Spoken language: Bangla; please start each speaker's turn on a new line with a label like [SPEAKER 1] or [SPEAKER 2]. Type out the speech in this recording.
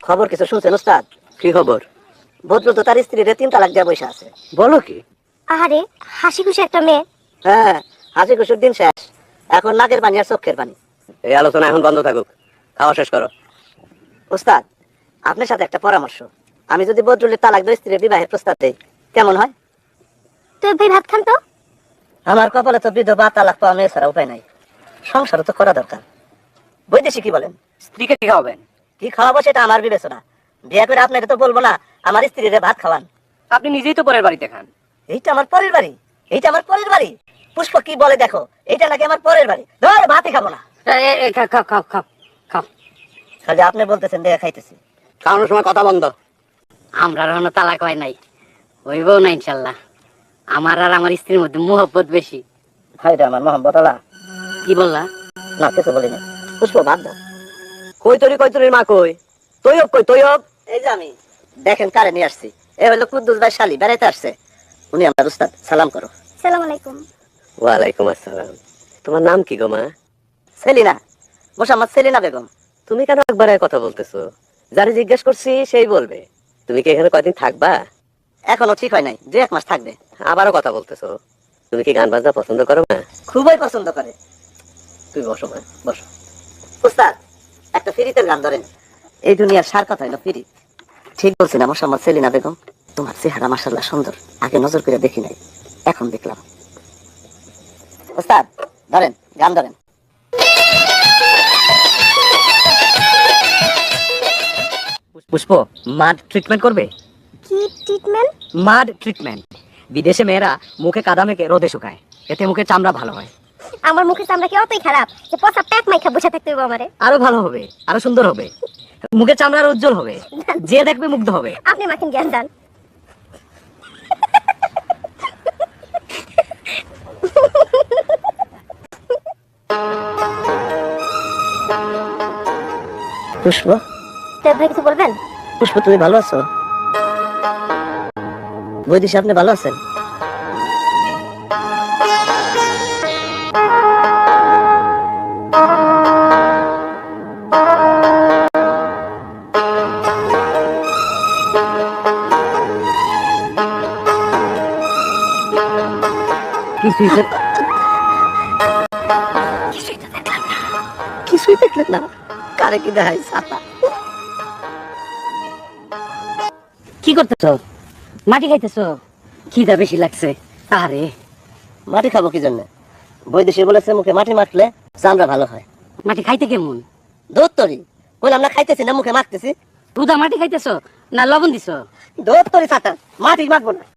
[SPEAKER 1] খবর কিছু শুনছেন ওস্তাদ?
[SPEAKER 2] কি খবর?
[SPEAKER 1] ভদ্র তো তার স্ত্রীর 3 তালাক দিয়ে বসে আছে।
[SPEAKER 2] বলো কি?
[SPEAKER 3] আহারে, হাসি খুশি একটা মেয়ে।
[SPEAKER 1] হ্যাঁ, হাসি খুশির দিন শেষ, এখন নাকের পানি আর চোখের পানি।
[SPEAKER 2] এই আলোচনা এখন বন্ধ থাকুক, খাওয়া শেষ করো।
[SPEAKER 1] ওস্তাদ, আপনার সাথে একটা পরামর্শ। আমি যদি বদরুলের তালাক দিয়ে স্ত্রীর বিবাহের প্রস্তাব দেই কেমন হয়?
[SPEAKER 3] তুই ভাই ভাত খান তো।
[SPEAKER 1] আমার কপালে তো বিধবা তালাক পাওয়া মেয়ে ছাড়া উপায় নাই, সংসারও তো করা দরকার। বৈদেশিক কি বলেন?
[SPEAKER 2] স্ত্রীকে কি খাওয়াবেন?
[SPEAKER 1] কি খাওয়াবো সেটা আমার বিবেচনা। বিয়ে করে আপনাকে তো বলবো না আমার স্ত্রীরে ভাত খাওয়ান।
[SPEAKER 2] আপনি নিজেই তো পরের বাড়িতে খান।
[SPEAKER 1] এইটা আমার পরের বাড়ি, এইটা আমার পরের বাড়ি। পুষ্প কি বলে দেখো, এইটা নাকি আমার পরের বাড়ি। ধর ভাতই খাবো না।
[SPEAKER 2] খাও খাও খাও খাও খাও।
[SPEAKER 1] খালি আপনি বলতেছেন দেখা খাইতেছি।
[SPEAKER 2] খাওয়ানোর সময় কথা বন্ধ।
[SPEAKER 4] আমরা এখনো তালাক হয় নাই, হইবও না ইনশাল্লাহ। আমার আর আমার স্ত্রীর মধ্যে মোহব্বত বেশি।
[SPEAKER 1] হাই রে আমার মোহাম্মদ আল্লাহ।
[SPEAKER 4] কি বললা?
[SPEAKER 1] না কিছু বলিনি। পুষ্প ভাত দাও।
[SPEAKER 2] কই তরির মা কই? তৈয়ব কই তৈয়ব?
[SPEAKER 1] এই যে আমি, দেখেন কারে নিয়ে আসছি। এ হলো কুদ্দুস ভাই শালি, বেড়াইতে আসছে। উনি আমার উস্তাদ, সালাম করো।
[SPEAKER 3] সালাম আলাইকুম।
[SPEAKER 2] ওয়ালাইকুম আসসালাম। তোমার নাম কি গো মা?
[SPEAKER 1] সেলিনা, মোসাম্মদ সেলিনা বেগম।
[SPEAKER 2] তুমি কেন একবারে কথা বলতেছো? যারে জিজ্ঞেস করছি সেই বলবে। তুমি কি এখানে কয়দিন থাকবা?
[SPEAKER 1] এখনো ঠিক হয় নাই, 2-1 মাস থাকবে।
[SPEAKER 2] আবারও কথা বলতেছো। তুমি কি গান বাজনা পছন্দ করো না?
[SPEAKER 1] খুবই পছন্দ করে।
[SPEAKER 2] তুমি বসো মা, বসো।
[SPEAKER 1] উস্তাদ, একটা ফিরিতের গান ধরেন। এই দুনিয়ার সার কথা হলো ফিরি। ঠিক বলছি না মোসাম্মদ সেলিনা বেগম? তোমার চেহারা মাশাআল্লাহ সুন্দর, আগে নজর করে দেখি নাই, এখন দেখলাম। উস্তাদ ধরেন, গান ধরেন।
[SPEAKER 4] পুষ্প, মাড ট্রিটমেন্ট করবে?
[SPEAKER 3] কি ট্রিটমেন্ট?
[SPEAKER 4] মাড ট্রিটমেন্ট বিদেশে মেয়েরা মুখে কাদা মেখে রোদে শুকায়, এতে মুখের চামড়া ভালো হয়।
[SPEAKER 3] আমার মুখের চামড়া কি অতই খারাপ যে পচা প্যাক মাইখা বসে থাকতে হবে আমারে?
[SPEAKER 4] আরো ভালো হবে, আরো সুন্দর হবে, মুখের চামড়া আরো উজ্জ্বল হবে, যে দেখবে মুগ্ধ হবে।
[SPEAKER 3] আপনি মাখেন জ্ঞান দান।
[SPEAKER 1] পুষ্প,
[SPEAKER 3] তো ভাই কিছু বলবেন?
[SPEAKER 1] পুষ্প তুমি ভালো আছো? বৈদিশা আপনি ভালো আছেন? কিছুই তো কিছুই দেখলেন না? কারে কি দেখাই ছাতা।
[SPEAKER 4] কি করতেছো? মাটি খাইতেছো? খিদা বেশি লাগছে। আরে
[SPEAKER 1] মাটি খাবো কি জন্য? বৈদেশি বলেছে মুখে মাটি মাখলে চামড়া ভালো হয়।
[SPEAKER 4] মাটি খাইতে কেমন?
[SPEAKER 1] দুধ তরি বললাম না, খাইতেছি না মুখে মাখতেছি।
[SPEAKER 4] দুধা মাটি খাইতেছো না লবণ দিছো?
[SPEAKER 1] দুধ তরি ছাতা, মাটি মাখবো না।